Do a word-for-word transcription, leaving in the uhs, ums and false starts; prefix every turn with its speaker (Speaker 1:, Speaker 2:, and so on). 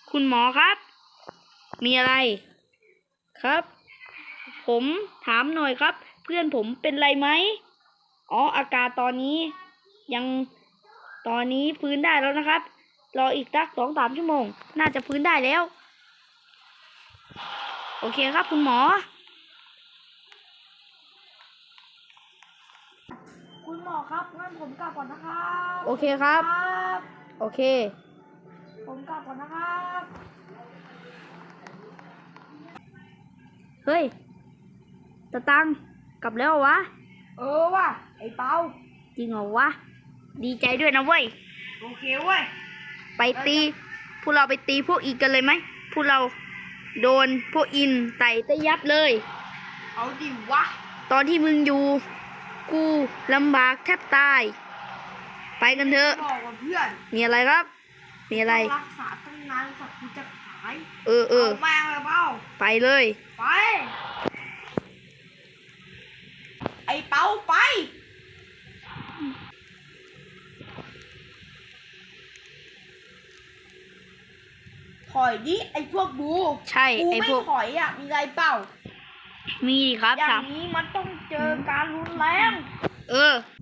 Speaker 1: คุณหมอครับ มีอะไรครับ ผมถามหน่อยครับ เพื่อนผมเป็นไรไหมอ๋ออาการตอนนี้ยังตอนนี้ฟื้นได้แล้วนะครับรออีกสักสองสามชั่วโมงน่าจะฟื้นได้แล้วโอเคครับคุณหมอ
Speaker 2: คุณหมอครับงั้นผมกลับก่อนนะครับ
Speaker 1: โอเคครับ
Speaker 2: ครับ
Speaker 1: โอเค
Speaker 2: ผมกลับก่อนนะครับ
Speaker 1: เฮ้ยตะตังกลับแล้วเหรอวะ
Speaker 2: เออว่ะไอ้เปา
Speaker 1: จริงเหรอวะดีใจด้วยนะเว้ย
Speaker 2: โอเคเว้ย
Speaker 1: ไปตีพวกเราไปตีพวกอีกกันเลยไหมพวกเราโดนพวกอินไต่ตะยับเลย
Speaker 2: เอาดิวะ
Speaker 1: ตอนที่มึงอยู่กูลำบากแทบตาย ไปกันเถอะ
Speaker 2: บอกกับเพื่อน
Speaker 1: มีอะไรครับ มีอะไร
Speaker 2: ต้องรักษาตั้งนานสักกูจะหาย
Speaker 1: เออเออ
Speaker 2: แม่งเลยเปา
Speaker 1: ไปเลย
Speaker 2: ไป ไอ้เปาไปถอยดิไอ้พวกบู
Speaker 1: ใช่
Speaker 2: กู
Speaker 1: ไอ้
Speaker 2: ไม่
Speaker 1: พวก
Speaker 2: ถอยอ่ะมีไรเปล่า
Speaker 1: มีดิครับ
Speaker 2: อย่า
Speaker 1: ถาง ม
Speaker 2: นี้มันต้องเจอการรุนแรง
Speaker 1: เออ